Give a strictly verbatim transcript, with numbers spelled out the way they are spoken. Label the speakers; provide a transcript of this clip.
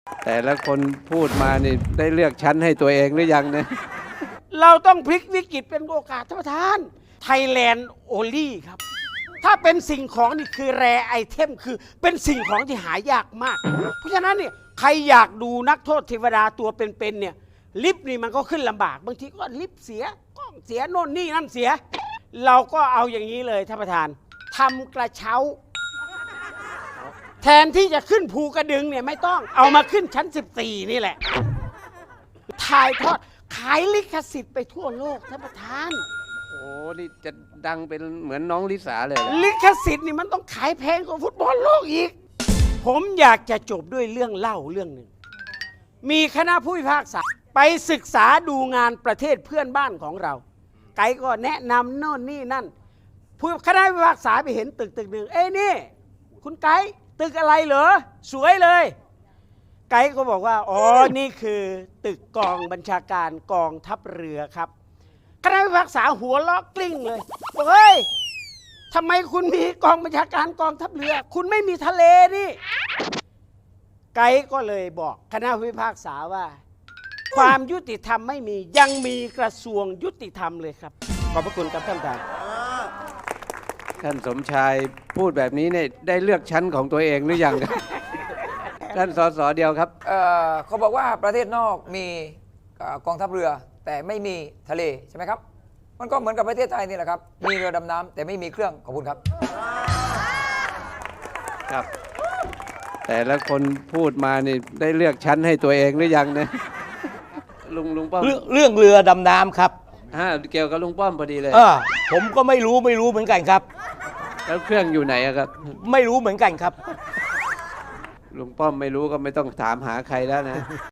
Speaker 1: แต่ละคนพูดมานี่ได้เลือกชั้นให้ตัวเองหรือยังเนี่ย
Speaker 2: เราต้องพลิกวิกฤตเป็นโอกาสท่านประธานไทยแลนด์โอลี่ครับ ถ้าเป็นสิ่งของนี่คือแรไอเทมคือเป็นสิ่งของที่หายากมาก เพราะฉะนั้นเนี่ยใครอยากดูนักโทษเทวดาตัวเป็นๆเนี่ยลิฟต์นี่มันก็ขึ้นลำบากบางทีก็ลิฟต์เสียกล้องเสียโน่นนี่นั่นเสีย เราก็เอาอย่างนี้เลยท่านประธานทำกระเช้า แทนที่จะขึ้นภูกระดึงเนี่ยไม่ต้องเอามาขึ้นชั้นสิบสี่นี่แหละถ่ายทอดขายลิขสิทธิ์ไปทั่วโลกท่านประธาน
Speaker 1: โอ้นี่จะดังเป็นเหมือนน้องลิสาเลยเหรอ
Speaker 2: ลิขสิทธิ์นี่มันต้องขายแพงกว่าฟุตบอลโลกอีก ผมอยากจะจบด้วยเรื่องเล่าเรื่องหนึ่ง มีคณะผู้พิพากษาไปศึกษาดูงานประเทศเพื่อนบ้านของเรา ไกด์ก็แนะนำโน่นนี่นั่นผู้คณะผู้พิพากษาไปเห็นตึกตึกหนึ่งเอ้ยนี่คุณไกด์ตึกอะไรเหรอสวยเลย ไกด์ก็บอกว่าอ๋อนี่คือตึกกองบัญชาการกองทัพเรือครับคณะผู้พิพากษาหัวเราะกลิ้งเลยบอกเฮ้ยทำไมคุณมีกองบัญชาการกองทัพเรือ คุณไม่มีทะเลนี่ไกด์ก็เลยบอกคณะผู้พิพากษาว่า ความยุติธรรมไม่มียังมีกระทรวงยุติธรรมเลยครับขอบพระคุณครับท่านประธาน
Speaker 1: ท่านสมชายพูดแบบนี้เนี่ยได้เลือกชั้นของตัวเองหรือยัง ท่านสสเดียวครับ
Speaker 3: เอ่อเขาบอกว่าประเทศนอกมีเอ่อกองทัพเรือ แต่ไม่มีทะเลใช่ไหมครับ มันก็เหมือนกับประเทศไทยนี่แหละครับ มีเรือดำน้ำแต่ไม่มีเครื่องขอบคุณครับ
Speaker 1: ครับ แต่ละคนพูดมานี่ได้เลือกชั้นให้ตัวเองหรือยังเนี่ย ลุงลุงป้อม
Speaker 4: เรื่องเรื่องเรือดำน้ำครับ
Speaker 1: ฮะเกี่ยวกับลุงป้อมพอดีเลย
Speaker 4: เออผมก็ไม่รู้ไม่รู้เหมือนกันครับ
Speaker 1: แล้วเครื่องอยู่ไหนอะครับ
Speaker 4: ไม่รู้เหมือนกันครับ
Speaker 1: ลุงป้อมไม่รู้ก็ไม่ต้องถามหาใครแล้วนะ